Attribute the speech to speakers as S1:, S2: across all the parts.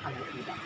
S1: คันสีดำ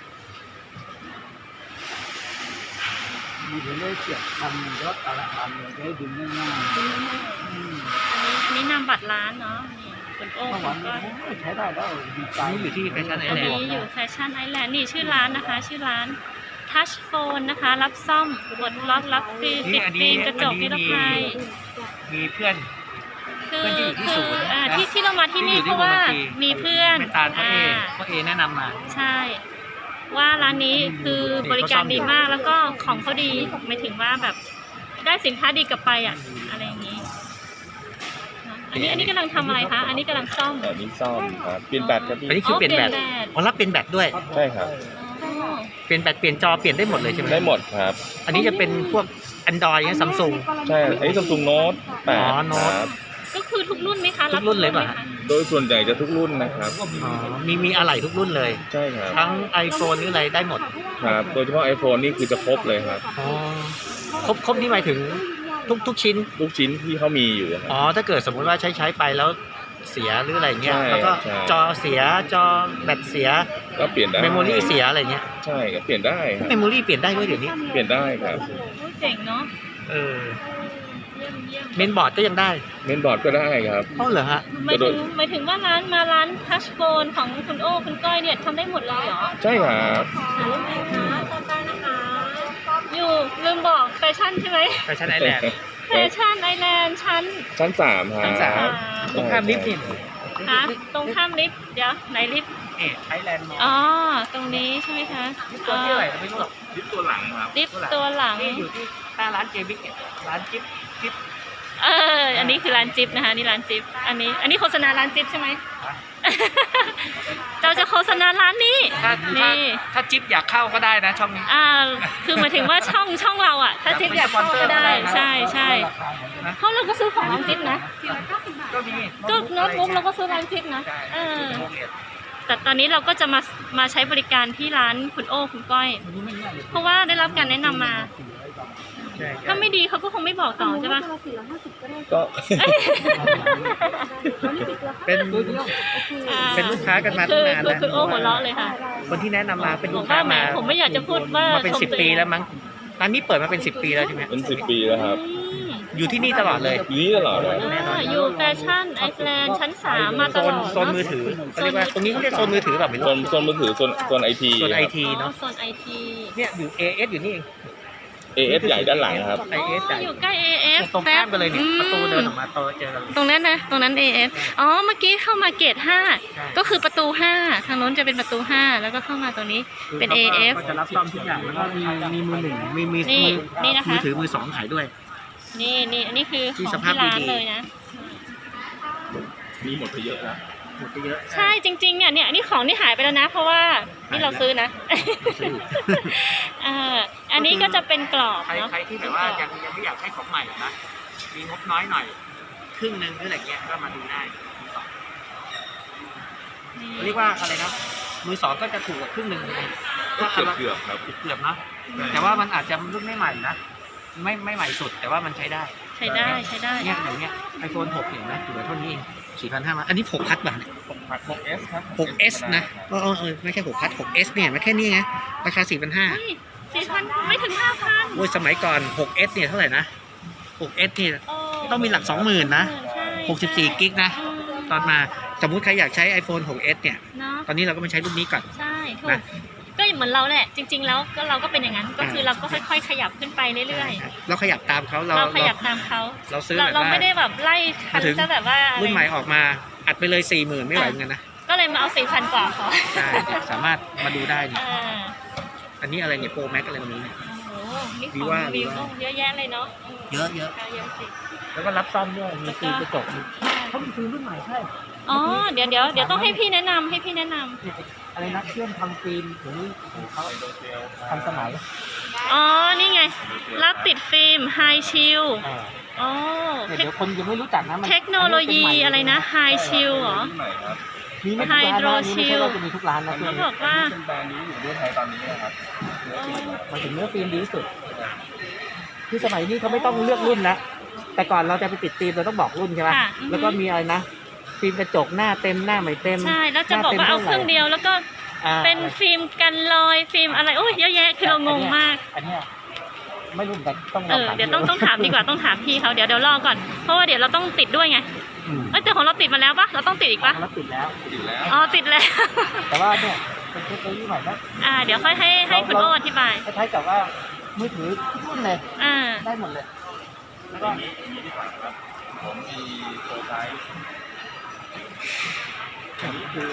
S1: มีเรื่องเสียบทำรถอะไรทำเลยได้ดึงง่ายๆ
S2: อันนี้นามบัตรร้านเนาะนี่คุณโอ้
S1: เมื่อ
S2: คุ
S1: วาน
S2: ณก้อย
S1: นี้ใช้ได้แล้วดีใจ
S3: นี่อยู่ที่แฟชั่นไอ
S2: อัน
S3: แลน
S2: นี้
S3: ด์
S2: อยู่แฟชั่นไอแลนด์นี่ชื่อร้านนะคะ ชื่อร้าน Touch Phone นะคะ รับซ่อมกดล็อกรับฟิล์มติดฟิล์มกระจกนิรภัย
S3: มีเพื่อน
S2: คือ
S3: เพื่อนที่อยู่ที่ศูนย์นะ
S2: ที่เรามาที่นี่เพราะว่ามีเพื่อน
S3: ไม่ตาลพ่อเอแนะนำมา
S2: ใช่ ว่าร้านนี้คือบริการดีมากแล้วก็ของเขาดีหมายถึงว่าแบบได้สินค้าดีกลับไปอ่ะอะไรอย่างนี้เนอะอันนี้กำลังทำอะไรคะ อันนี้กำลังซ่อม
S4: อันนี้ซ่อมครับเปลี่ยนแบตครับพี่
S3: อันนี้คือเปลี่ยนแบต
S2: ด
S3: อ๋อรับเปลี่ยนแบตด้วย
S4: ใช่ครับ
S2: อ๋อ
S3: เปลี่ยนแบตเปลี่ยนจอเปลี่ยนได้หมดเลยใช่ไหม
S4: ได้หมดครับ
S3: อันนี้จะเป็นพวก Android อย่างซัมซุง
S4: ใช่อันนี้ซัมซุงโน้ต
S3: อ๋อ
S4: 8
S3: Note
S4: ครับ
S2: ก็คือทุกรุ่นไหมคะ
S3: ทุกรุ่นเลยป่ะ
S2: บทุก
S4: โดยส่วนใหญ่จะทุกรุ่นนะครับ
S3: อ๋อมีอะไหล่ทุกรุ่นเลย
S4: ใช่ครับ
S3: ทั้ง iPhone หรืออะไรได้หมด
S4: ครับ โดยเฉพาะ iPhone นี่คือจะครบเลยครับ
S3: อ๋อครบนี่หมายถึงทุกชิ้น
S4: ลูกชิ้นที่เขามีอยู่ครับ
S3: อ๋อถ้าเกิดสมมุติว่าใช้ไปแล้วเสียหรืออะไรเงี้ย
S4: ใช่
S3: แล้วก็
S4: ใช่
S3: จอเสียจอแบตเสีย
S4: ก็เปลี่ยนได้
S3: เมมโมรี่เสียอะไรเงี้ย
S4: ใช่ก็เปลี่ยนได้ครับ
S3: เมมโมรี่เปลี่ยนได้ด้วยเดี๋ยวนี้
S4: เปลี่ยนได้ครับ
S2: โอ้เจ๋งเนาะ
S3: เออ
S2: เยี่ยม
S3: เมนบอร์ดก็ยังได้
S4: เมนบอร์ดก็ได้ครับ
S3: อ๋อเหรอฮะ
S2: หมายถึงว่าร้านทัชโฟนของคุณโอ้คุณก้อยเนี่ยทำได้หมดเลยเหรอ
S4: ใช่ครับ
S2: อยู่ลืมบอกแฟชั่นใช่ไหม
S3: แฟชั่นไอแลนด์
S2: แฟชั่นไอแลนด์ชั้น
S4: ชั้น 3 ครับ
S3: ชั้นสาม ตรงข้ามลิฟต์นี่
S2: ฮะตรงข้ามลิฟต์เดี๋ยวไหนลิฟต์
S3: ไอแลนด์มอล
S2: อ๋อตรงนี้ใช่ไหมคะ
S3: ตัวที่อะไรไม่รู้หรอก
S4: ลิฟต์ตัวหลังครับ
S2: ลิฟต์ตัวหลัง
S3: ที่อยู่ที่หน้าร้านเจบิ๊กเนี่ยร้านจิ๊บ
S2: อันนี้คือร้านจิ๊บนะคะนี่ร้านจิ๊บอันนี้โฆษณาร้านจิ๊บใช่ไหม เราจะโฆษณาร้านนี้
S3: ถ้าจิ๊บอยากเข้าก็ได้นะช่องนี้
S2: คือหมายถึงว่าช่องเราอ่ะ ถ้าจิ๊บอยากเข้าก็ได้ใช่เพราะเราก็ซื้อของร้านจิ๊บนะ
S3: ก็มี
S2: ก็โน้ตบุ๊กเราก็ซื้อร้านจิ๊บนะแต่ตอนนี้เราก็จะมาใช้บริการที่ร้านคุณโอ้คุณก้อย เพราะว่าได้รับการแนะนำมา ถ้าไม่ดีเขาก็คงไม่บอกต่อใช่ปะ
S4: ก็
S3: เป็นลูกค้ากันมาตั้งนานแล้ว
S2: คือโอ้หัวเราะเลยค่ะ
S3: คนที่แนะนำมาเป็น
S2: บ
S3: ลู
S2: อก
S3: กค้า
S2: ว่าแหม
S3: มา
S2: ผมไม่อยากจะพูดว่า
S3: มาเป็น
S2: ชม
S3: 10 ปีแล้วมั้งร้านนี้เปิดมาเป็น10 ปีแล้วใช่ไหม
S4: เป็น10 ปีแล้วครับ
S3: อยู่ที่นี่ตลอดเลย
S4: อยู่นี่ตลอดเลย
S2: อยู่แฟชั่นไอแลนด์ชั้น 3 มาตลอด
S3: โซนมือถือเขาเรียกว่าตรงนี้เขาเรียกโซนมือถือแบบไม่รู้
S4: โซนมือถือโซนไอที
S3: โซนไอทีเนาะ
S2: โซนไอที
S3: เนี่ยอยู่ AS อยู่นี่เอง
S4: AS ใหญ่ด้านหลังครับ
S3: AS ใหญ่
S2: อยู่ใกล้ AF
S3: ตรงข้ามกันเลยเนี่ยประตูเดินออกมาเจอกัน
S2: ตรงนั้นนะตรงนั้น AF อ๋อเมื่อกี้เข้ามาเกต5ก็คือประตู 5 ทางโน้นจะเป็นประตู 5 แล้วก็เข้ามาตรงนี้เป็น AF
S3: ก็จะรับซ่อมทุกอย่างแล้วก็มีมือหนึ่งมี
S2: นี่นะคะ
S3: มือถือมือสองขายด้วย
S2: นี่อันนี้คือของ
S3: ที่สภาพ
S2: ที่ร้าน
S3: ดีๆ
S2: เลยนะ
S4: มีหมดไปเยอะแล้ว
S3: หมดไปเยอะ
S2: ใช่จริงๆเนี่ยนี่ของนี่หายไปแล้วนะ เพราะว่านี่เราซื้อนะ อันนี้ก็จะเป็นกรอบเนาะ
S3: ใครที่แบบว่ายังไม่อยากให้ของใหม่นะมีงบน้อยหน่อยครึ่งนึงหรืออะไรเงี้ยก็มาดูได้มือสองเรียกว่าอะไรนะมือสองก็จะถูกกว่าครึ่งนึง
S4: ก็เกือบครับ
S3: เกือบนะแต่ว่ามันอาจจะรุ่นไม่ใหม่นะไม่ใหม่สุดแต่ว่ามันใช้ได้
S2: ใช้ได้
S3: เนี่ยอย่างเงี้ย iPhone 6เห็นไหมเหลือเท่านี้เอง4,500มาอันนี้6พัดป่ะ
S4: 6S ครับ
S3: 6S นะไม่ใช่6พัด 6S เนี่ยมันแค่นี้ไงราคา 4,500
S2: 4,000ไม่ถึง 5,000
S3: โอ้ยสมัยก่อน 6S เนี่ยเท่าไหร่นะ 6S เนี่ย ต้องมีหลัก 20,000 นะ 64 กิกนะ ตอนมาสมมุติใครอยากใช้ iPhone 6S เนี่ย
S2: เนาะ
S3: ตอนนี้เราก็มาใช้รุ่นนี้ก่อน
S2: ใช่ถูก
S3: นะ
S2: ก็เหมือนเราแหละ จริง ๆ แล้วก็เราก็เป็นอย่างนั้น ก็คือเราก็ค่อยๆ ขยับขึ้นไปเรื่อย
S3: เราขยับตามเขา
S2: ๆ เราขยับตามเขา
S3: เราซื้อแบบ
S2: เรา
S3: ว่า
S2: ไม่ได้แบบไล่คัน
S3: มาถึง
S2: ซะแบบว่า
S3: รุ่นใหม่ออกมาอัดไปเลย 40,000 ไม่ไหวเหมือนกันนะ
S2: ก็เลยมาเอา 4,000 กว่าพอ
S3: ใช่สามารถมาดูได้นี่
S2: อ่า
S3: อันนี้อะไรเนี่ยโปรแม็กอะไรตรงนี้เนี่ย
S2: โอ้โหนี่ข
S3: วี
S2: อง
S3: ว่า
S2: วิวเยอะแยะเลยเนาะ
S3: เยอะ
S2: เยอะสิ
S3: แล้วก็รับซ่อมด้วยมีฟิล์มกระจกเขามีฟิล์มรุ่นใหม่ใช่
S2: อ๋อเดี๋ยวต้องให้พี่แนะนำ
S3: อะไรนะเครื่องทำฟิล์มถึงเขาทันสมัย
S2: อ๋อ นี่ไง รับติดฟิล์มไฮชิลอ๋อ
S3: เดี๋ยวคนยังไม่รู้จักนะมัน
S2: เทคโนโลยีอะไรนะไฮชิลเหรอ
S3: มีไม่ทุกร้านนะนี่ไม่ใช่ว่าจะมีทุกร้านนะเครื่อ
S2: เขา
S3: ง
S2: บ
S3: นี้
S2: อกว่า
S4: เป็นแบรนด์นี้อยู่ด้วยไทยตอนนี้นะครับ
S3: มาถึงเนื้อฟิล์มดีที่สุดคือสมัยนี้เขาไม่ต้องเลือกรุ่นแล้วแต่ก่อนเราจะไปติดฟิล์มเราต้องบอกรุ่นใช่ไหม
S2: ค่ะ
S3: แล้วก็มีอะไรนะฟิล์มกระจกหน้าเต็มหน้าไม่เต็ม
S2: ใช่ แล้วจะบอกว่าเอาเครื่องเดียวแล้วก็เป็นฟิล์มกันรอยฟิล์มอะไรโอ้ยเยอะแยะคือเรางงมาก
S1: อันเนี้ยไม่รู้เหมือนกันต้องลองถาม
S2: เดี๋ยวต้องถามดีกว่าต้องถามพี่เขาเดี๋ยวรอก่อนเพราะว่าเดี๋ยวเราต้องติดด้วยไงแต่ของเราติดมาแล้วปะเราต้องติดอีกปะ
S1: แล้วติดแล้ว
S2: อ๋อติดแล้ว
S1: แต่ว่าเนี่ยเป็นเทคโนโลยีใหม่นะ
S2: เดี๋ยวค่อยให้คุณโอ้อธิบาย
S1: คล้ายๆกับว่ามือถือทุกรุ่นเลย
S2: อ่า
S1: ได้หมดเลยแล้วก็
S4: ผมมีโปรไซส์อันนี้คือ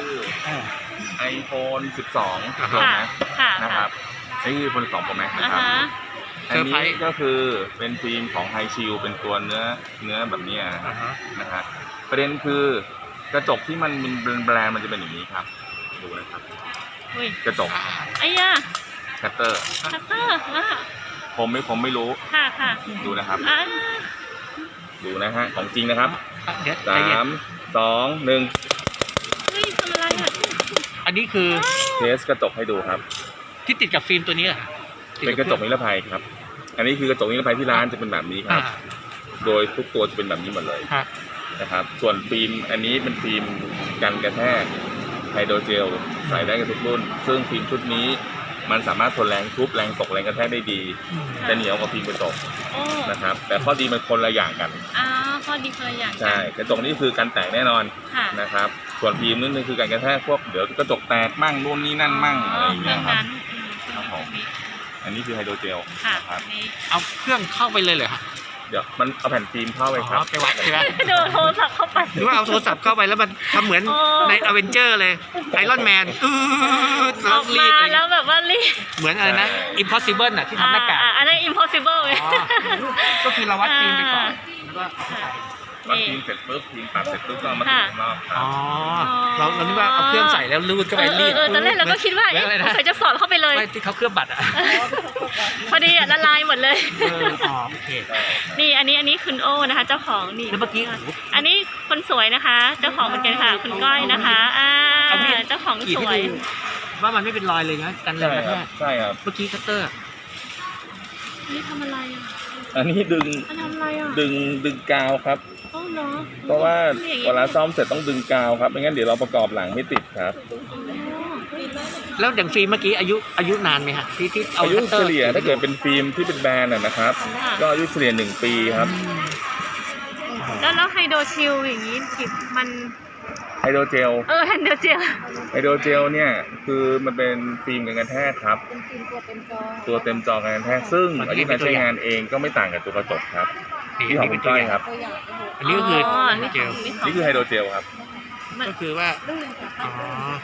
S4: iPhone 12
S2: ค่ะ
S4: นะ
S2: ค่ะ
S4: นะครับนี่คือ iPhone 12 Pro Max นะ
S2: อ่า
S4: ครับ
S2: ฮะ
S4: อันนี้ก็คือเป็นฟิล์มของไฮชิลเป็นตัวเนื้อแบบนี้นะฮะประเด็นคือกระจกที่มันเป็นแบรนด์มันจะเป็นอย่างนี้ครับดูนะครับ
S2: อุ้ย
S4: กระจก
S2: ไอ้ย่า
S4: แคตเตอร์
S2: คัตเตอร์อ่ะ
S4: ผมไม่รู้
S2: ค่ะค่ะ
S4: ดูนะครับ ดูนะฮะของจริงนะครับ
S3: เดี๋ยวใจเย็น
S4: 3 2 1
S2: เฮ้ยทำอะไรอ่ะ
S3: อันนี้คือ
S4: เทสกระจกให้ดูครับ
S3: ที่ติดกับฟิล์มตัวนี้เหรอ
S4: เป็นกระจกนิรภัยครับ อันนี้คือกระจกนิรภัยที่ร้านจะเป็นแบบนี้ครับ โดยทุกตัวจะเป็นแบบนี้หมดเลย
S3: ฮะ
S4: นะครับ ส่วนฟิล์มอันนี้เป็นฟิล์มกันกระแทกไฮโดรเจลใส่ได้กับทุกรุ่น ซึ่งฟิล์มชุดนี้มันสามารถทนแรงทุบแรงตกแรงกระแทกได้ดีจะเหนียวกว่าฟิล์มกระจก
S2: โอ้
S4: นะครับ แต่ข้อดีมันคนละอย่างกัน
S2: ข้อดีคนละอย่างกั
S4: ใช่ กระจกนี่คือการแตกแน่นอน
S2: ค่ะ
S4: นะครับ ส่วนฟิล์มนี่คือการกระแทกพวกเดี๋ยวกระจกแตกมั่งนู่นนี่นั่นมั่งอะไรอย่างเงี้ยครับ ครับผม อันนี้คือไฮโดรเจล
S2: ค่ะ
S4: นะครับ
S2: นี่
S3: เอาเครื่องเข้าไปเลยเหรอครับ
S4: เดี๋ยวมันเอาแผ่นฟิล์มเข้าไปครับ
S3: อ๋อไปวัดใช่ไหม
S2: โดนโทรศัพท์เข้าไป
S3: หรือว่าเอาโทรศัพท์เข้าไปแล้วมันทำเหมือน
S2: โอ้
S3: ในอเวนเจอร์เลยไอรอนแมน
S2: อ
S3: แล้ว
S2: อก
S3: รี
S2: มา
S3: ดอะไร
S2: แล้วแบบว่ารีบ
S3: เหมือนอะไรนะ impossible น่ะที่ทำหน้ากาก
S2: อันนั้น impossible เลย
S3: อ๋อก็คือเราวัดฟิล์มไปก่อน
S1: แล้วก็
S4: วัดฟิล์มเสร็จปุ๊บฟิล์มปรับเสร็จปุ๊บก็เอามาติดข้างนอกครั
S3: อ๋
S4: บ
S3: อเรานึกว่าเอาเครื่องใส่แล้วรูดเข้าไปรีด
S2: ตอนแรกเราก็คิดว่า
S3: เหมือนอะไรนะ
S2: ใส่จะสอดเข้าไปเลย
S3: ไม่ที่เขาเคลือบบัตรอ่ะ
S2: พอดีละลายหมดเลย
S3: อ๋อโอเค
S2: นี่อันนี้คุณโอ้นะคะ เจ้าของนี่
S3: แล้วเมื่อกี้
S2: อันนี้คนสวยนะคะ เจ้าของเหมือนกันค่ะคุณก้อยนะคะเจ้าของ
S3: ขีด
S2: ส
S3: ให้
S2: วย
S3: ดูว่ามันไม่เป็นรอยเลยนะกันแร
S4: ใช่
S3: งกระ
S4: ค
S3: แท
S4: รับ
S3: ก
S4: ใช่ครับ
S3: เมื่อกี้คัตเตอร์
S2: นี่ทำอะไรอ่ะ
S4: อันนี้ดึง
S2: มันทำอะไรอ่ะ
S4: ดึงกาวครับ
S2: โอ้เนาะ
S4: เพราะว่าเวลาซ่อมเสร็จต้องดึงกาวครับไม่งั้นเดี๋ยวเราประกอบหลังไม่ติดครับ
S3: แล้วอย่างฟิล์มเมื่อกี้อายุนานไหมฮะที่เอา
S4: อายุ
S3: คัตเตอ
S4: เฉ
S3: ร์
S4: ลี่ยถ้าเกิดเป็นฟิล์มที่เป็นแบรนด์นะครับ ก็อายุเฉลี่ย1 ปีครับ
S2: แล้วไฮโดรชิลอย่างนี้มัน
S4: ไฮโดรเจล
S2: ไฮโดรเจล
S4: ไฮโดรเจลเนี่ยคือมันเป็นฟิล์มกันกระแทกครับ ตัวเต็มจอกันกระแทกซึ่งอายุการใช้งานเองก็ไม่ต่างกับตัวกระจกครับที่ของคุณก้อยครับ
S3: อันนี้ก็คือ
S2: นี่
S3: เจล
S4: นี่คือไฮโดรเจลครับ
S3: ก็คือว่าอ๋อ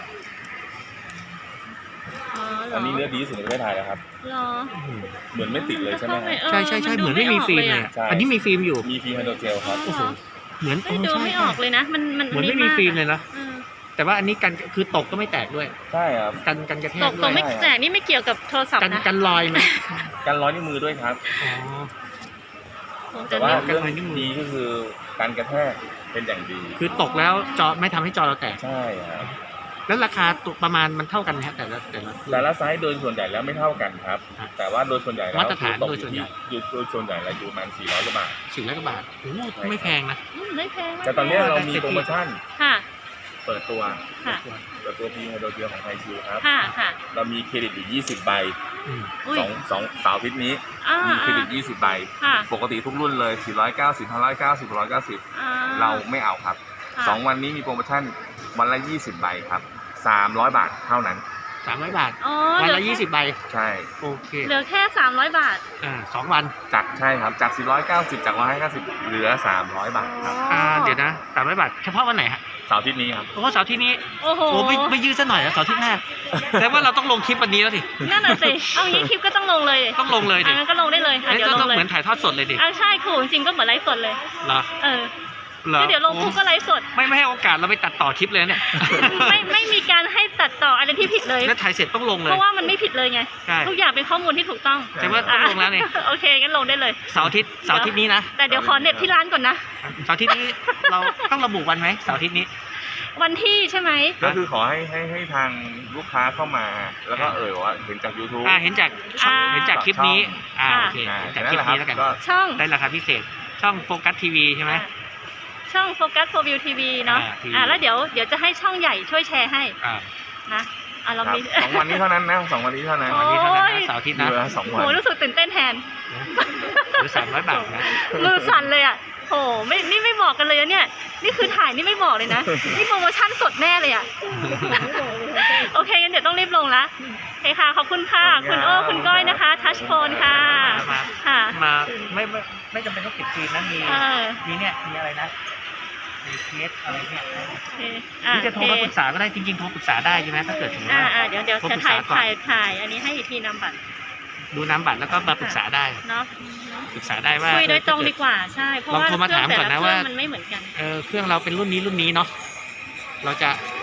S4: อันนี้เนื้อดีที่สุดในประเทศไทยแล้วครับ
S2: เหรอ
S4: เหมือนไม่ติดเลยใช่ไหมครับ
S3: ใช่เหมือนไม่มีฟิล์มเลยอะ
S4: ใช่
S3: อันนี้มีฟิล์มอยู่
S4: มีฟิล์มไฮโดรเจลครับ
S2: โอ้โห
S3: เหมือน
S2: ดูไม่ออกเลยนะมัน
S3: เหมือนไม่มีฟิล์มเลยนะ
S2: เออ
S3: แต่ว่าอันนี้กันคือตกก็ไม่แตกด้วย
S4: ใช่ครับ
S3: กันกระแท
S2: ต
S3: ก
S2: ก
S3: ด้
S2: ต
S3: ว
S2: ก
S3: ย
S2: ไม่แตกนี่ไม่เกี่ยวกับโทรศัพท์นะ
S3: กันรอยไหม
S4: การร้อยนิ้วมือด้วยครับ
S3: อ๋อ
S2: โอ้
S4: แต่
S2: แต่
S4: ว่า
S2: นี่
S4: เรื่อง
S3: การร้อยนิ้วมือ
S4: ดีก็คือการกระแทกเป็นอย่างดี
S3: คือตกแล้วจอไม่ทำให้จอเราแตก
S4: ใช่ครับ
S3: แล้วราคาตัวประมาณมันเท่ากันไหมฮะแต่ละ
S4: แต่ละไซส์โดยส่วนใหญ่แล้วไม่เท่ากันครับ
S3: ครับ
S4: แต่ว่าโดยส่วนใหญ่แล้ว
S3: มาตรฐาน
S4: คือ
S3: โดยส่วนใหญ่
S4: โดยส่วนใหญ่แล้วอยู่ประมาณ400 กว่าบาท
S3: 400 กว่าบาทโอ้โหไม่แพงนะ
S2: ไม่แพง
S4: แต่ตอนนี้เรามีโปรโมชั่น
S2: ค่ะ
S4: เปิดตัว
S2: ค่ะ
S4: พีไฮโดรเจลของไทยชิวครับ
S2: ค่ะ
S4: เรามีเครดิตอยู่20 ใบ
S3: อืม
S2: อุ้ย
S4: สองเสาร์อาทิตย์นี้ มีเครดิต20 ใบ
S2: ค่ะ
S4: ปกติทุกรุ่นเลย 490 590 690 เราไม่เอาครับ 2 วันนี้มีโปรโมชั่นวันละ 20 ใบครับ 300 บาทเท่านั้น
S3: 300 บาท
S2: อ๋อ
S3: วันละ20 ใบ
S4: ใช่
S3: โอเค
S2: เหลือแค่300 บาท
S3: 2 วัน
S4: ใช่ครับ จาก 490 จาก 150 เหลือ 300 บาทครับ
S3: เดี๋ยวนะ300 บาท เฉพาะวันไหนฮะ
S4: เสาร์อาทิตย์นี้ครับ
S3: โอ้เสาร์อาที่นี้
S2: โอ้โห
S3: โอ้ไม่ยืดซะหน่อยนะเสาร์อาที่หน้า แต่ว่าเราต้องลงคลิปวันนี้แล้วสิ
S2: นั่นน่ะสิเอางี้คลิปก็ต้องลงเลย
S3: ต้องลงเลยดิ
S2: งั้นก็ลงได้เลยเดี๋ยวล
S3: ต้อง ง
S2: เลย
S3: เหมือนถ่ายทอดสดเลยดิ
S2: ใช่ครูจริงๆก็เหมือนไลฟ์สดเลย
S3: เหรอ
S2: เออ
S3: เหรอ
S2: ก็เดี๋ยวลงปุ๊บก็ไลฟ์สด
S3: ไม่ให้โอกาสเราไปตัดต่อคลิปเลยเนี่ย
S2: ไม่มีการให้ตัดต่ออะไรที่ผิดเลย
S3: แล้วถ่ายเสร็จต้องลงเล
S2: เพ
S3: ย
S2: ราะว่ามันไม่ผิดเลยไง
S3: ใช่
S2: ทุกอย่างเป็นข้อมูลที่ถูกต้อง
S3: แต่ว่าต้องลงแล้วนี่
S2: โอเคงั้นลงได้เลย
S3: เสาร์อาทิตย์นี้นะ
S2: แต่เดี๋ยวขอเน็ตที่ร้านก่อนนะ
S3: เสาร์อาทิตย์นี้เราต้องระบุวันไหมเสาร์อาทิตย์นี้
S2: วันที่ใช่ไหม
S4: ก็คือขอให้ทางลูกค้าเข้ามา แล้วก็ว่าเห็นจาก YouTube
S3: เห็นจากคลิปนี้โอเค
S4: อ่า
S3: เห็น
S4: แค่
S3: จาก
S4: นั้
S3: คน ลิป
S4: แหละครับ
S3: นี้แล้วกัน
S4: ก็
S2: ช่อง
S3: ได้ราคาพิเศษ ช่องโฟกัสทีวีใช่ไหม
S2: ช่องโฟกัสโฟวิวทีวีเนาะ
S3: TV
S2: แล้วเดี๋ยวจะให้ช่องใหญ่ช่วยแชร์ให้
S3: อ่า
S2: นะเรา
S4: ครับ
S2: มี
S4: 2 วันนี้เท่านั้นนะ2 วันนี้เท่านั้น
S2: โอ้
S3: วันนี้เท่านั้นนะเสาร์อาทิตย์
S4: มี
S3: นะ
S4: เวลา2 วัน
S2: โหรู้สึกตื่นเต้นแทน
S3: หรือ300 บาทนะ
S2: มือสั่นเลยอ่ะโหนี่ไม่บอกกันเลยนะเนี่ย นี่คือถ่ายนี่ไม่บอกเลยนะ นี่โปรโมชั่นสดแน่เลยอ่ะ โอเคงั้นเดี๋ยวต้องรีบลงละโอเคค่ะ ขอบคุณค่ะ คุณโอ้คุณก้อยนะคะทัชโฟนค่ะ ค่ะ
S3: มาไม่จำเป็นต้องติดจีนนะมี มีเนี่ยมีอะไรนะมีเคสอะไรเนี่ย
S2: โอเค
S3: ที่จะโทรมาปรึกษาก็ได้จริงๆโทรปรึกษาได้ใช่ไหมถ้าเกิดถึงว่า
S2: เดี๋ยว
S3: โทร
S2: จะ
S3: ปรึกษาก่อน
S2: ถ่ายอันนี้ให้อีกทีนำบัตร
S3: ดูน้ำบัตรแล้วก็มาปรึกษาได้
S2: เนาะ
S3: ปรึกษาได้ว่า
S2: คุยโดยตรงดีกว่าใช่ เพราะว่า
S3: ลองโทรมาถามก่อนนะว่า
S2: มันไม่เหมือนกัน
S3: เครื่องเราเป็นรุ่นนี้เนาะเราจะ